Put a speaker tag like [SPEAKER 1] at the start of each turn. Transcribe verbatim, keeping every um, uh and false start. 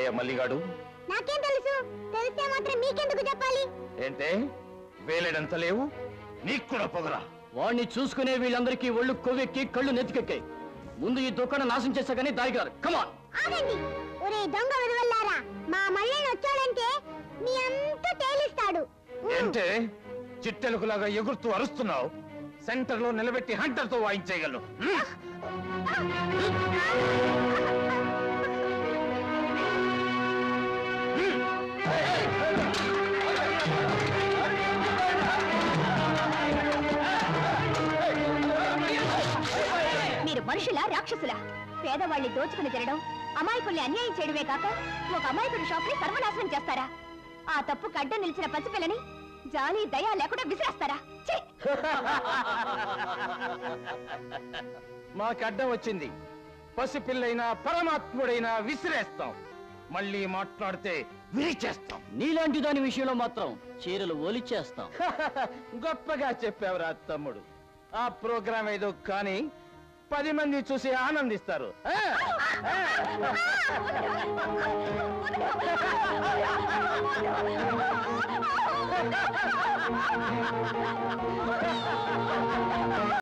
[SPEAKER 1] ఎవరయ్యా మల్లిగాడు?
[SPEAKER 2] నాకేం తెలుసు? తెలిస్తే మాత్రం మీకెందుకు చెప్పాలి?
[SPEAKER 1] ఏంటే వేలేడంత లేవు? నీకు కూడా పొగరా?
[SPEAKER 3] వాడిని చూసుకునే వీళ్ళందరికీ ఒళ్ళు కొవ్వెక్కి కళ్ళు నెత్తికెక్కాయి. ముందు ఈ దుకాణం నాశనం చేశాకని దారిగారు. కమాన్
[SPEAKER 2] ఆగండి. ఒరే దొంగ వదవల్లారా, మా మళ్ళీ వచ్చాడంటే మీ అంతా తేలిస్తాడు.
[SPEAKER 1] ఏంటే చిట్టెలుగులాగా ఎగురుతూ అరుస్తున్నావు? సెంటర్ లో నిలబెట్టి హంటర్ తో వాయించేయగలను.
[SPEAKER 2] మీరు మనుషులా రాక్షసులా? పేదవాళ్ళని దోచుకుని తినడం, అమాయకుల్ని అన్యాయం చేయడమే కాక ఒక అమాయకుడి షాప్ ని సర్వనాశనం చేస్తారా? ఆ తప్పు కడ్డ నిలిచిన పసిపిల్లని జాలి దయా లేకుండా విసిరేస్తారా?
[SPEAKER 1] మాకు అడ్డం వచ్చింది. పసిపిల్లైనా పరమాత్ముడైనా విసిరేస్తాం. మళ్ళీ మాట్లాడితే విరిచేస్తాం.
[SPEAKER 3] నీలాంటి దాని విషయంలో మాత్రం చీరలు ఓలిచ్చేస్తాం.
[SPEAKER 1] గొప్పగా చెప్పావురా తమ్ముడు. ఆ ప్రోగ్రాం ఏదో కానీ పది మంది చూసి ఆనందిస్తారు.